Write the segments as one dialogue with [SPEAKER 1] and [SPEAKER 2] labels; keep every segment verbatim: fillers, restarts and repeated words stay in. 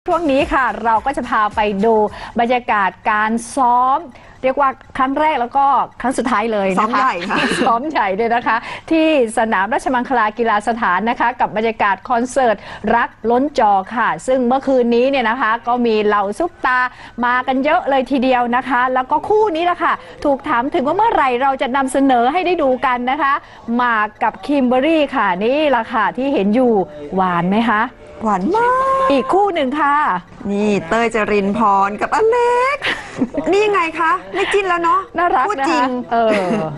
[SPEAKER 1] ช่วงนี้ค่ะเราก็จะพาไปดูบรรยากาศการซ้อมเรียกว่าครั้งแรกแล้วก็ครั้งสุดท้ายเลยนะคะซ้อมใหญ่ค่ะซ้อมใหญ่เลยนะคะที่สนามราชมังคลากีฬาสถานนะคะกับบรรยากาศคอนเสิร์ตรักล้นจอค่ะซึ่งเมื่อคืนนี้เนี่ยนะคะก็มีเหล่าซุปตามากันเยอะเลยทีเดียวนะคะแล้วก็คู่นี้แหละค่ะถูกถามถึงว่าเมื่อไหร่เราจะนำเสนอให้ได้ดูกันนะคะหมากกับคิมเบอรรี่ค่ะนี่แหละค่ะที่เห็นอยู่หวานไหมคะ
[SPEAKER 2] หวานมาก
[SPEAKER 1] อีกคู่หนึ่งค่ะ
[SPEAKER 2] นี่เต้ยจรินพรกับอเล็กนี่ยังไงคะไม่จิ้นแล้วเนาะ
[SPEAKER 1] น่ารัก
[SPEAKER 2] พูดจริง
[SPEAKER 1] เออ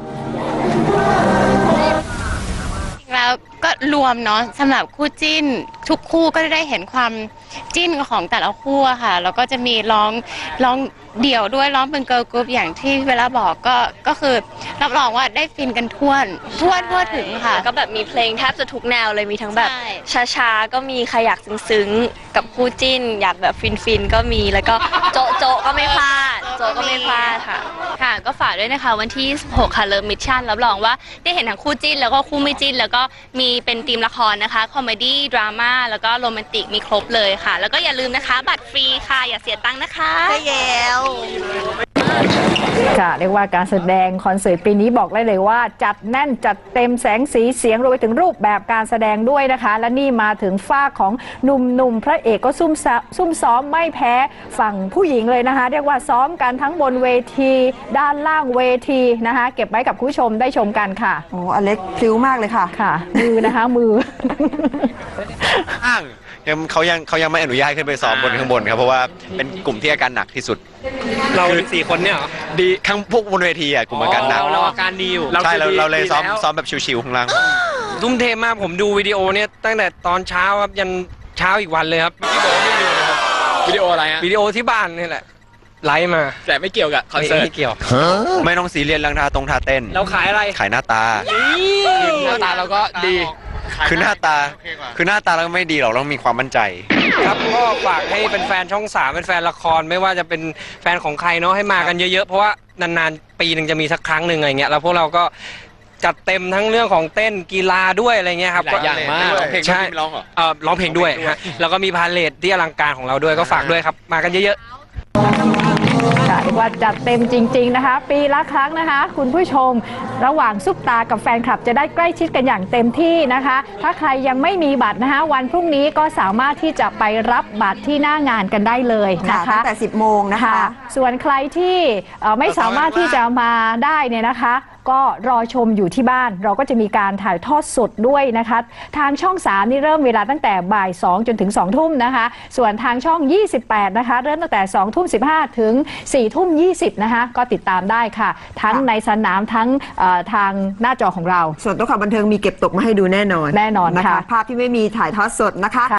[SPEAKER 3] แล้วก็รวมเนาะสำหรับคู่จิ้นทุกคู่ก็ได้เห็นความจิ้นของแต่ละคู่ค่ะแล้วก็จะมีร้องร้องเดี่ยวด้วยร้องเป็นเกิร์ลกรุ๊ปอย่างที่เวลาบอกก็ก็คือรับรองว่าได้ฟินกันทั่วทั่วทั่วถึงค่ะ
[SPEAKER 4] ก็แบบมีเพลงแทบจะทุกแนวเลยมีทั้งแบบช้าๆก็มีใครอยากซึ้งๆกับคู่จิ้นอยากแบบฟินๆก็มีแล้วก็โจ๊ะโจ๊ะก็ไม่พลาดโจ๊ะก็ไม่พลาดค่ะค่ะก็ฝากด้วยนะคะวันที่ยี่สิบหกค่ะเลิฟมิชชั่นรับรองว่าได้เห็นทั้งคู่จิ้นแล้วก็คู่ไม่จิ้นแล้วก็มีเป็นธีมละครนะคะคอมเมดี้ดราม่าแล้วก็โรแมนติกมีครบเลยค่ะแล้วก็อย่าลืมนะคะบัตรฟรีค่ะอย่าเสียตังค์นะคะ
[SPEAKER 3] ใช่แล้ว
[SPEAKER 1] ค่ะเรียกว่าการแสดงคอนเสิร์ตปีนี้บอกได้เลยว่าจัดแน่นจัดเต็มแสงสีเสียงรวมไปถึงรูปแบบการแสดงด้วยนะคะและนี่มาถึงฝ้าของหนุ่มๆพระเอกก็ซุ่มซุ่มซ้อมไม่แพ้ฝั่งผู้หญิงเลยนะคะเรียกว่าซ้อมกันทั้งบนเวทีด้านล่างเวทีนะคะเก็บไว้กับผู้ชมได้ชมกันค่ะ
[SPEAKER 2] โอ้อเล็กพลิ้วมากเลยค่ะ
[SPEAKER 1] ค่ะมือนะคะมือ
[SPEAKER 5] อ้างยังเขายังเขายังไม่อนุญาตขึ้นไปซ้อมบนข้างบนครับเพราะว่าเป็นกลุ่มที่อาการหนักที่สุด
[SPEAKER 6] เราสี่คนเนี่ยเหรอ
[SPEAKER 5] ดีข้างพวกบนเวทีอ่ะกลุ่มอาการหนัก
[SPEAKER 6] เราอาการดีอยู่
[SPEAKER 5] ใช่เราเราเลยซ้อมซ้อมแบบชิวๆข้างล่าง
[SPEAKER 6] ทุ่มเทมากผมดูวิดีโอเนี่ยตั้งแต่ตอนเช้าครับยันเช้าอีกวันเลยครับ
[SPEAKER 7] ที่บอกว่าไม่ดูนะครับวิดีโออะไรฮะ
[SPEAKER 6] วิดีโอที่บ้านนี่แหละไลฟ์มา
[SPEAKER 7] แต่ไม่เกี่ยวกับคอนเสิร์ต
[SPEAKER 6] ไม่เกี่ยว
[SPEAKER 5] ไม่ต้องซีเรียสเรื่องท่าตรงท่าเต้น
[SPEAKER 6] เราขายอะไร
[SPEAKER 5] ขายหน้าตา
[SPEAKER 7] หน้าตาเราก็ดี
[SPEAKER 5] คือหน้าตาคือหน้าตาเราไม่ดีหรอกเรามีความมั่นใจ
[SPEAKER 6] ครับก็ฝากให้เป็นแฟนช่องสามเป็นแฟนละครไม่ว่าจะเป็นแฟนของใครเนาะให้มากันเยอะๆเพราะว่านานๆปีหนึ่งจะมีสักครั้งหนึ่งอะไรเงี้ยแล้วพวกเราก็จัดเต็มทั้งเรื่องของเต้นกีฬาด้วยอะไรเงี้ยครับ
[SPEAKER 7] หลายอย่างมาก
[SPEAKER 6] ใช่ร้องเหรอเออร้องเพลงด้วยฮะแล้วก็มีพาเลทที่อลังการของเราด้วยก็ฝากด้วยครับมากันเยอะๆ
[SPEAKER 1] ค่ะเรียกว่าจัดเต็มจริงๆนะคะปีละครั้งนะคะคุณผู้ชมระหว่างซุปตากับแฟนคลับจะได้ใกล้ชิดกันอย่างเต็มที่นะคะถ้าใครยังไม่มีบัตรนะคะวันพรุ่งนี้ก็สามารถที่จะไปรับบัตรที่หน้างานกันได้เลยนะคะ
[SPEAKER 2] ตั้งแต่สิบโมงนะคะ
[SPEAKER 1] ส่วนใครที่ไม่สามารถที่จะมาได้เนี่ยนะคะก็รอชมอยู่ที่บ้านเราก็จะมีการถ่ายทอดสดด้วยนะคะทางช่องสามนี่เริ่มเวลาตั้งแต่บ่ายสองจนถึงสองทุ่มนะคะส่วนทางช่องยี่สิบแปดนะคะเริ่มตั้งแต่สองทุ่มสิบห้าถึงสี่ทุ่มยี่สิบนะคะก็ติดตามได้ค่ะทั้งในสนามทั้งทางหน้าจอของเรา
[SPEAKER 2] ส่วนตัวข่าวบันเทิงมีเก็บตกมาให้ดูแน่นอน
[SPEAKER 1] แน่นอน
[SPEAKER 2] นะคะภาพที่ไม่มีถ่ายทอดสดนะคะ